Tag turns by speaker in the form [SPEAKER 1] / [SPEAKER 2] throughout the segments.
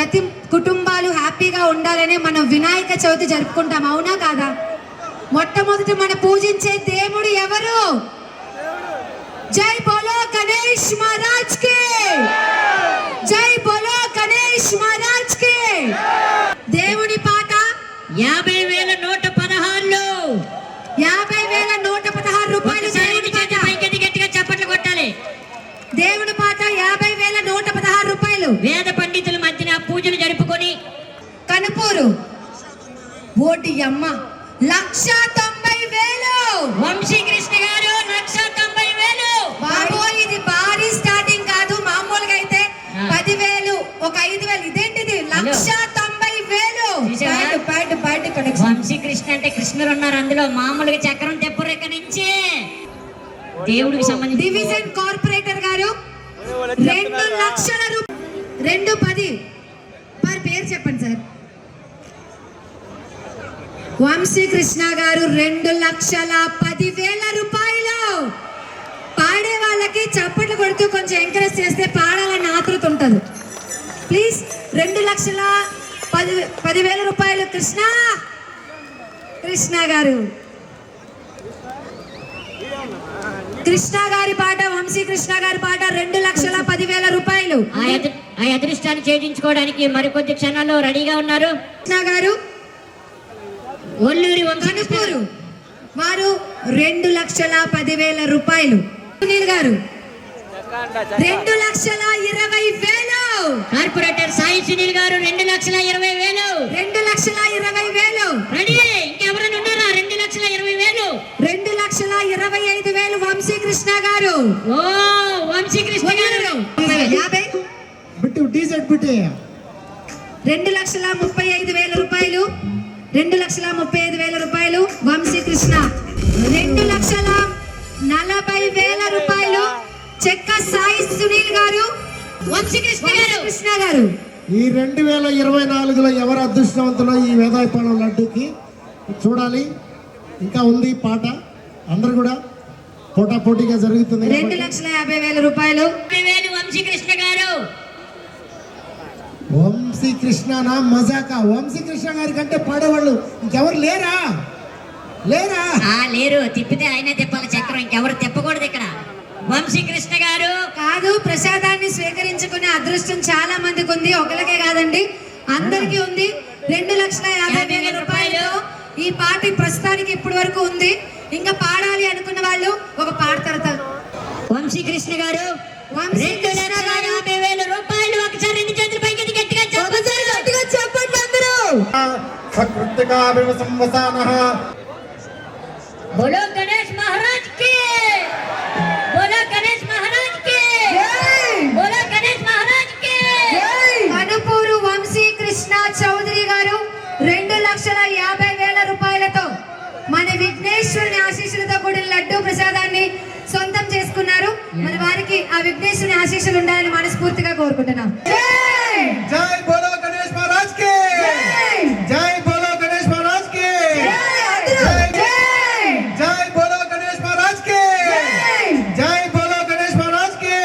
[SPEAKER 1] ప్రతి కుటుంబాలు హ్యాపీగా ఉండాలని మనం వినాయక చవితి జరుపుకుంటాం, అవునా కాదా? మొట్టమొదటి మనం పూజించే దేవుడు ఎవరు? జై బోలో గణేష్ మహారాజ్ కి, జై బోలో గణేష్ మహారాజ్ కి. దేవుని పాట
[SPEAKER 2] 50,116
[SPEAKER 1] 50,116 రూపాయలు.
[SPEAKER 2] గట్టిగా చప్పట్లు కొట్టాలి.
[SPEAKER 1] దేవుని పాట 50,116 రూపాయలు.
[SPEAKER 2] వేద పండితుల మధ్యన పూజలు జరుపుకొని
[SPEAKER 1] కనుపూరు ఓటి అమ్మ 1,90,000.
[SPEAKER 2] వంశీకృష్ణ గారు 1,90,000.
[SPEAKER 1] బాబో ఇది భారీ స్టార్టింగ్ కాదు, మామూలుగా అయితే 10,000 ఒక 5,000. ఇదేంటిది 1,90,000. Party connection.
[SPEAKER 2] వంశీకృష్ణ అంటే కృష్ణులు ఉన్నారు అందులో, మామూలుగా చక్రం తెప్పరు ఇక్కడ నుంచి. దేవుడికి సంబంధించి
[SPEAKER 1] డివిజన్ కార్పొరేటర్ గారు 2,00,000 రూపాయలు. 210 మరి పేరు చెప్పండి సార్. వంశీకృష్ణ గారు 2,10,000 రూపాయలు. పాడే వాళ్ళకి చప్పట్లు కొడుతూ కొంచెం ఎంకరేజ్ చేస్తే పాడాలని ఆతృత ఉంటుంది. ప్లీజ్ 2,10,000 రూపాయలు. కృష్ణ గారు, కృష్ణ గారి పాట, వంశీకృష్ణ గారి పాట 2,10,000 రూపాయలు.
[SPEAKER 2] ఆ అదృష్టాన్ని ఛేదించుకోవడానికి మరికొద్ది క్షణాల్లో రెడీగా ఉన్నారు.
[SPEAKER 1] కృష్ణ గారు
[SPEAKER 2] ఒల్లూరి
[SPEAKER 1] కనుపూరు వారు 2,10,000 రూపాయలు. సునీల్ గారు 2,20,000.
[SPEAKER 2] కార్పొరేటర్ సాయి సునీల్ గారు 2,20,000.
[SPEAKER 1] 2,20,000.
[SPEAKER 2] రెడీ. ఇంకెవరైనా ఉన్నారా? 2,20,000.
[SPEAKER 1] 2,25,000 వంశీకృష్ణ గారు.
[SPEAKER 2] ఓ వంశీకృష్ణ గారు
[SPEAKER 1] 50. 2,35,000 రూపాయలు. 2,35,000 రూపాయలు వంశీకృష్ణ. 2,40,000 రూపాయలు చెక్క సాయి సునీల్ గారు. వంశీకృష్ణ గారు
[SPEAKER 3] ఈ 2024లో ఎవరు అదృష్టవంతులో ఈ వేదాయపాలెం లడ్డూకి చూడాలి. ఇంకా ఉంది పాట, అందరు కూడా పోటాపోటీగా జరుగుతుంది.
[SPEAKER 1] 2,50,000 రూపాయలు.
[SPEAKER 2] వంశీకృష్ణ గారు.
[SPEAKER 3] వంశీకృష్ణనా మజాకా? వంశీకృష్ణ గారి కంటే పాడేవాళ్ళు ఇంకెవరు లేరా?
[SPEAKER 2] లేరు. తిప్పితే ఆయనే తిప్పాలి చక్రం, ఇంకెవరు తిప్పకూడదు ఇక్కడ. వంశీకృష్ణ గారు
[SPEAKER 1] కాదు, ప్రసాదాన్ని స్వీకరించుకునే అదృష్టం చాలా మందికి ఉంది, ఒకరికే కాదండి అందరికీ ఉంది. 2,50,000 రూపాయలు. ఈ పార్టీ ప్రస్తుతానికి ఇప్పటి వరకు ఉంది. ఇంకా పాడాలి అనుకున్న వాళ్ళు ఒక పాట తరతారు.
[SPEAKER 2] వంశీకృష్ణ గారు
[SPEAKER 1] 2,50,000
[SPEAKER 2] రూపాయలు. ఒకసారి 2 చేతులు పైకి గట్టిగా
[SPEAKER 1] చెప్పండి అందరూ.
[SPEAKER 2] బోలో గణేష్ మహారాజ్ కి, బోలో గణేష్ మహారాజ్ కి, బోలో గణేష్ మహారాజ్ కి.
[SPEAKER 1] కనుపూరు వంశీకృష్ణ చౌదరి గారు 2,50,000 రూపాయలతో మన విఘ్నేశ్వరుని ఆశీస్సులతో కూడిన లడ్డూ ప్రసాదాన్ని సొంతం చేసుకున్నారు. మరి వారికి ఆ విఘ్నేశ్వరుని ఆశీస్సులు ఉండాలని మనస్ఫూర్తిగా కోరుకుంటున్నాం.
[SPEAKER 3] జై బోలో గణేష్ మహారాజ్ కి, జై బోలో గణేష్ మహారాజ్ కి, జై బోలో గణేష్ మహారాజ్ కి, జై బోలో గణేష్ మహారాజ్ కి,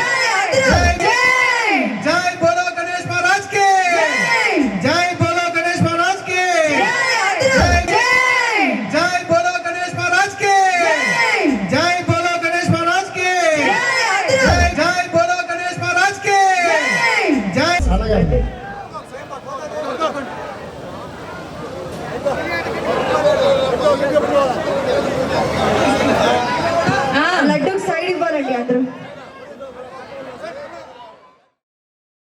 [SPEAKER 3] జై బోలో గణేష్ మహారాజ్ కి, జై బోలో గణేష్ మహారాజ్ కి, జై బోలో గణేష్ మహారాజ్ కి, జై బోలో గణేష్ మహారాజ్ కి, జై బోలో గణేష్ మహారాజ్ కి, జై